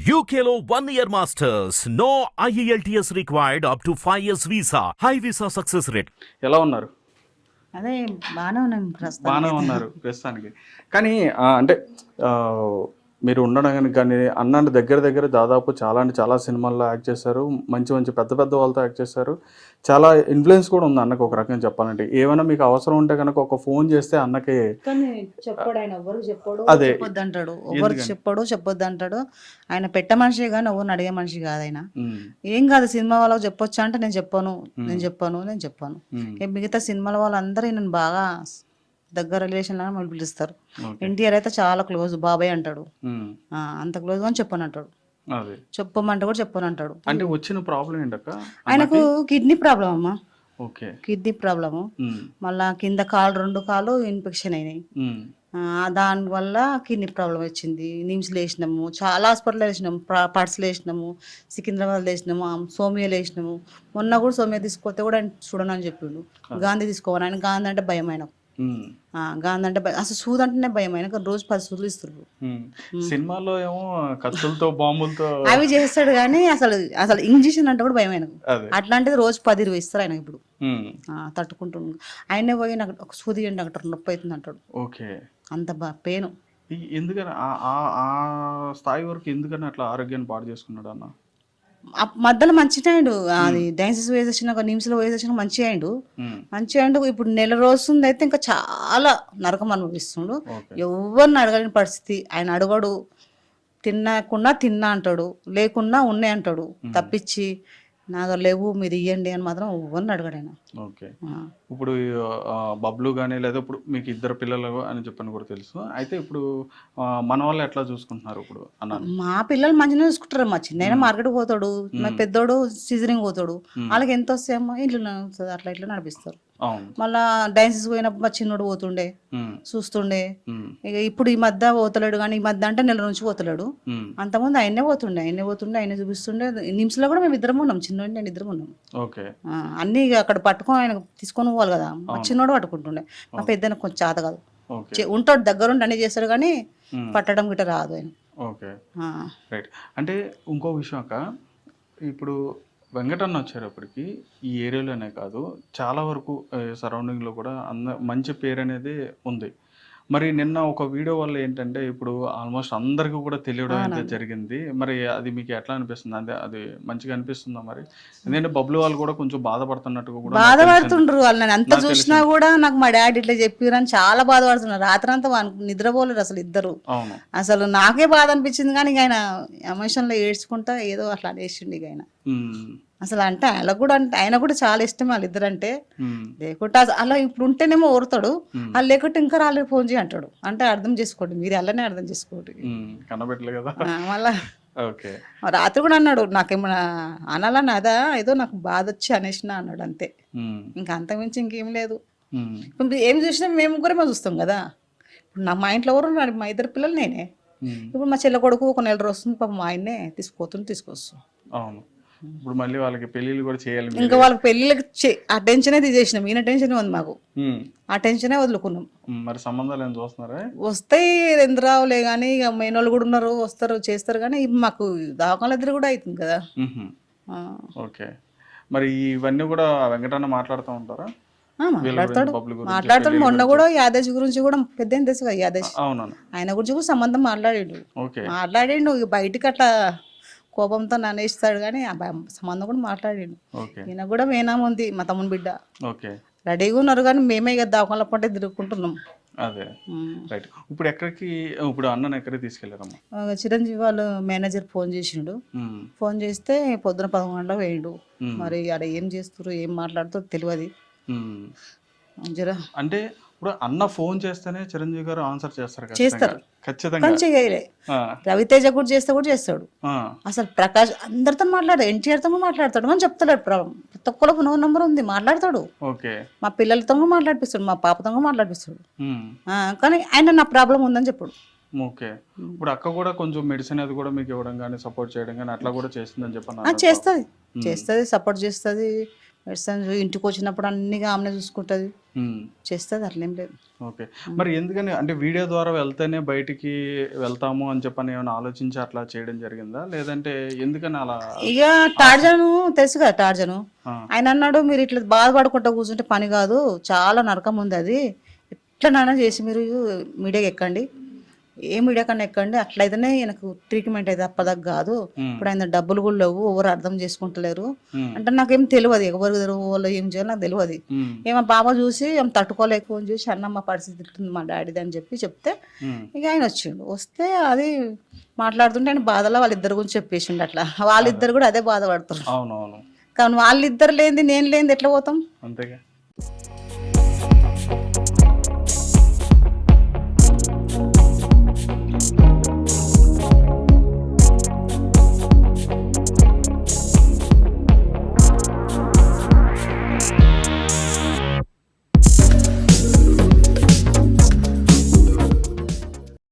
UKLO 1 year masters. No IELTS required up to 5 years visa. High visa success rate. ఎలా ఉన్నారు? అదే బాగానే ఉన్నాం బాగానే ప్రస్తుతానికి. ఉన్నారు ప్రస్తుతానికి. కానీ అంటే ఆ, మీరు ఉండడానికి కానీ అన్న దగ్గర దగ్గర దాదాపు చాలా అంటే చాలా సినిమాల్లో యాక్ట్ చేశారు. మంచి మంచి పెద్ద పెద్ద వాళ్ళతో యాక్ట్ చేశారు. చాలా ఇన్ఫ్లుయెన్స్ కూడా ఉంది అన్నకు ఒక రకంగా చెప్పాలంటే. ఏమైనా మీకు అవసరం ఉంటే కనుక ఒక ఫోన్ చేస్తే అన్నకి కానీ చెప్పాడు ఆయన, ఎవరు చెప్పాడు అదే. చెప్పొద్దు అంటాడు, ఎవరు చెప్పొద్దు అంటాడు. ఆయన పెట్ట మనిషి కానీ ఎవరిని అడిగే మనిషి కాదు ఆయన. ఏం కాదు సినిమా వాళ్ళకి చెప్పొచ్చా అంటే నేను చెప్పాను. మిగతా సినిమాల వాళ్ళందరూ నేను బాగా దగ్గర రిలేషన్ లాగా మళ్ళీ పిలుస్తారు. ఎన్టీఆర్ అయితే చాలా క్లోజ్, బాబాయ్ అంటాడు. అంత క్లోజ్ అని చెప్పను అంటాడు, అదే చెప్పమంటే కూడా చెప్పను అంటాడు. అంటే వచ్చిన ప్రాబ్లం ఏంటక్క? ఆయనకు కిడ్నీ ప్రాబ్లం అమ్మా, ఓకే. Kidney problem. మళ్ళా కింద కాలు 2 కాళ్ళు ఇన్ఫెక్షన్ అయినాయి. దానివల్ల కిడ్నీ ప్రాబ్లం వచ్చింది. నిమ్స్లో వేసినాము, చాలా హాస్పిటల్ వేసినాము, పర్స్లో వేసినాము, సికింద్రాబాద్లో వేసినాము, సోమియాలో వేసినాము. మొన్న కూడా సోమియా తీసుకొస్తే కూడా ఆయన చూడను అని చెప్పిండు. గాంధీ తీసుకోవాలి, ఆయన గాంధీ అంటే భయం ఆయనకు. గాంధీ అంటే అసలు సూది అంటేనే భయం ఆయనకు. రోజు 10 సూదులు ఇస్తారు. సినిమాలో ఏమో కత్తులతో బాంబులతో అవి చేస్తాడు కానీ అసలు ఇంజక్షన్ అంటే కూడా భయం ఆయనకు. అట్లాంటిది రోజు 10-20 ఇస్తారు ఆయన. ఇప్పుడు తట్టుకుంటున్నాడు. ఆయనే పోయి నాకు ఒక సూది ఇవ్వండి డాక్టర్, నొప్పి అవుతుంది అంటాడు. ఓకే. అంత పెయిన్. ఎందుకని ఆ స్థాయి వరకు ఎందుకని అట్లా ఆరోగ్యాన్ని పాడు చేసుకున్నాడు అన్న? మధ్యలో మంచిగా అయిండు. అది డయాన్సిస్ వేసేసిన నిమ్స్లో వేసేసిన మంచిగా అయిండు. ఇప్పుడు నెల రోజుంది అయితే ఇంకా చాలా నరకం అనుభవిస్తుండు. ఎవరిని అడగలేని పరిస్థితి. ఆయన అడగడు, తిన్నా అంటాడు, లేకున్నా ఉన్నాయి అంటాడు. తప్పించి నాకు లేవు మీరు ఇవ్వండి అని మాత్రం ఎవరిని అడగడు ఆయన. ఓకే. ఇప్పుడు బబ్లు కానీ లేదా ఇప్పుడు మీకు 2 పిల్లలు అని చెప్పని కూడా తెలుసు. అయితే ఇప్పుడు మన వాళ్ళు ఎట్లా చూసుకుంటున్నారు ఇప్పుడు అన్న? మా పిల్లలు మంచిగా చూసుకుంటారు. మా చిన్న మార్కెట్ పోతాడు, మా పెద్దోడు సీజనింగ్ పోతాడు. వాళ్ళకి ఎంత వస్తాయమ్మా ఇంట్లో అట్లా ఇట్లా నడిపిస్తారు. మళ్ళా డాన్సెస్ పోయినప్పుడు మా చిన్నోడు పోతుండే, చూస్తుండే. ఇక ఇప్పుడు ఈ మధ్య పోతలేడు, కానీ ఈ మధ్య అంటే నెల నుంచి పోతలేడు. అంతకుముందు ఆయనే పోతుండే, ఆయన చూపిస్తుండే. నిమ్స్ లో కూడా మేము 2 ఉన్నాం, చిన్నోడు నేను 2 ఉన్నాం. అన్ని అక్కడ పట్టుకొని ఆయన తీసుకొని పోవాలి కదా. మా చిన్నోడు పట్టుకుంటుండే, మా పెద్ద కొంచెం చేత కాదు. ఉంటాడు దగ్గరుండి అన్ని చేస్తాడు కానీ పట్టడం గిట్ట రాదు ఆయన. Okay, right. అంటే ఇంకో విషయం అక్క, ఇప్పుడు వెంకటన్న వచ్చేటప్పటికి ఈ ఏరియాలోనే కాదు చాలా వరకు సరౌండింగ్లో కూడా మంచి పేరు అనేది ఉంది. మరి నిన్న ఒక వీడియో వల్ల ఏంటంటే ఇప్పుడు ఆల్మోస్ట్ అందరికీ కూడా తెలియడం అయితే జరిగింది. మరి అది మీకు ఎట్లా అనిపిస్తుంది? అంటే అది మంచిగా అనిపిస్తుందా? మరి ఎందుకంటే బబ్లు వాళ్ళు కూడా కొంచెం బాధపడుతున్నట్టుగా కూడా బాధపడుతుండ్రు. వాళ్ళు నేను అంత చూసినా కూడా నాకు మా డాడీ ఇట్లా చెప్పారని చాలా బాధపడుతున్నారు. రాత్రి అంతా నిద్రపోలేరు అసలు ఇద్దరు. అసలు నాకే బాధ అనిపించింది, కానీ ఆయన ఎమోషన్ లో ఏడ్చుకుంటా ఏదో అట్లా అనేసిండు ఇక ఆయన. అసలు అంటే ఆయన కూడా చాలా ఇష్టం వాళ్ళిద్దరంటే. లేకుంటే అలా ఇప్పుడు ఉంటేనేమో ఓరుతాడు, వాళ్ళు లేకుంటే ఇంకా రాలేదు ఫోన్ చేయి అంటాడు. అంటే అర్థం చేసుకోండి, మీరు అలానే అర్థం చేసుకోండి. మళ్ళా రాత్రి కూడా అన్నాడు, నాకేమన్నా అనాలని అదా ఏదో నాకు బాధ వచ్చి అనేసిన అన్నాడు అంతే. ఇంకా అంతకుమించి ఇంకేం లేదు. ఇప్పుడు ఏం చూసినా మేము ముగ్గురేమో చూస్తాం కదా. ఇప్పుడు మా ఇంట్లో ఎవరు ఉన్నారు? మా 2 పిల్లలు నేనే. ఇప్పుడు మా చెల్ల కొడుకు ఒక నెల రోజు వస్తుంది, పాపం మా ఆయన్నే తీసుకొస్తాం. ఇప్పుడు మళ్ళీ వాళ్ళకి పెళ్లిళ్ళు కూడా చేయాలి. ఇంకా వాళ్ళకి పెళ్లిళ్ళకి ఆ టెన్షనే తీసేసినాం. ఈయన టెన్షన్ ఉంది మాకు, ఆ టెన్షనే వదులుకున్నాం. మరి సంబంధాలు ఏం చూస్తున్నారా? వస్తాయి, ఎందుకు రావులే కానీ ఇక మెయినోళ్ళు కూడా ఉన్నారు, వస్తారు చేస్తారు. కానీ మాకు దావకాల ఇద్దరు కూడా అవుతుంది కదా. ఓకే. మరి ఇవన్నీ కూడా వెంకటన్న మాట్లాడుతూ ఉంటారా? మాట్లాడతాడు. మొన్న కూడా యాదేశ్ గురించి కూడా పెద్ద తెలుసు కదా, యాదేశ్ ఆయన గురించి కూడా సంబంధం మాట్లాడిండు. బయటకి అట్లా కోపంతో నన్నేస్తాడు కానీ సంబంధం కూడా మాట్లాడాడు. ఈయన కూడా మేనామా ఉంది, మా తమ్ముని బిడ్డ. రెడీగా ఉన్నారు కానీ మేమే కదా దావకాల పంటే తిరుగుకుంటున్నాం. అదే, రైట్. ఇప్పుడు అన్నను ఎక్కడికి తీసుకెళ్లారమ్మా? చిరంజీవి వాళ్ళు మేనేజర్ ఫోన్ చేసిండు. ఫోన్ చేస్తే పొద్దున 11 గంటలకు వేయండు. మరి ఆడ ఏం చేస్తారు ఏం మాట్లాడుతారో తెలియదు. అంటే ఇప్పుడు అన్న ఫోన్ చేస్తేనే చిరంజీవి గారు ఆన్సర్ చేస్తారు ఖచ్చితంగా. రవితేజ కూడా చేస్తాడు. అసలు ప్రకాష్ అందరితో మాట్లాడు, ఎన్టీఆర్ తో మాట్లాడతాడు అని చెప్తాడు. ప్రతి ఒక్కరికి 9 నంబర్ ఉంది, మాట్లాడతాడు. మా పిల్లలతో మాట్లాడిపిస్తాడు, మా పాపతో మాట్లాడిపిస్తాడు. కానీ ఆయన నా ప్రాబ్లం ఉందని చెప్పాడు. ఓకే. ఇప్పుడు అక్క కూడా కొంచెం మెడిసిన్ అది కూడా మీకు ఇవ్వడం కానీ సపోర్ట్ చేయడం కానీ అట్లా కూడా చేస్తుందని చెప్పాను. చేస్తుంది, సపోర్ట్ చేస్తుంది. మెడిసిన్ ఇంటికి వచ్చినప్పుడు అన్నిగా ఆమెనే చూసుకుంటుంది, చేస్తుంది, అట్లేం లేదు. ఓకే. మరి ఎందుకని అంటే వీడియో ద్వారా వెళ్తేనే బయటికి వెళ్తాము అని చెప్పని ఏమైనా ఆలోచించి అట్లా చేయడం జరిగిందా, లేదంటే ఎందుకని అలా? ఇక టార్జను తెలుసు కదా, టార్జను ఆయన అన్నాడు, మీరు ఇట్లా బాధపడుకుంటా కూర్చుంటే పని కాదు, చాలా నరకం ఉంది అది, ఎట్లనైనా చేసి మీరు మీడియాకి ఎక్కండి, ఏ మీడియా కన్నా ఎక్కండి, అట్లయితేనే నాకు ట్రీట్మెంట్ అయితే అప్పదాకా కాదు, ఇప్పుడు ఆయన డబ్బులు కూడా లేవు, ఎవరు అర్థం చేసుకుంటలేరు అంటే నాకేం తెలియదు, ఎవరు వాళ్ళు ఏం చేయాలి నాకు తెలియదు. ఏమో బాబా చూసి ఏం తట్టుకోలేక ఫోన్ చేసి అన్న మా పరిస్థితి ఇట్లుంది మా డాడీది అని చెప్తే ఇక ఆయన వచ్చిండు. వస్తే అది మాట్లాడుతుంటే ఆయన బాధలో వాళ్ళిద్దరి గురించి చెప్పేసిండు. అట్లా వాళ్ళిద్దరు కూడా అదే బాధపడుతున్నారు. అవునవును. కానీ వాళ్ళిద్దరు లేనిది నేను లేనిది ఎట్లా పోతాం? అంతేగా.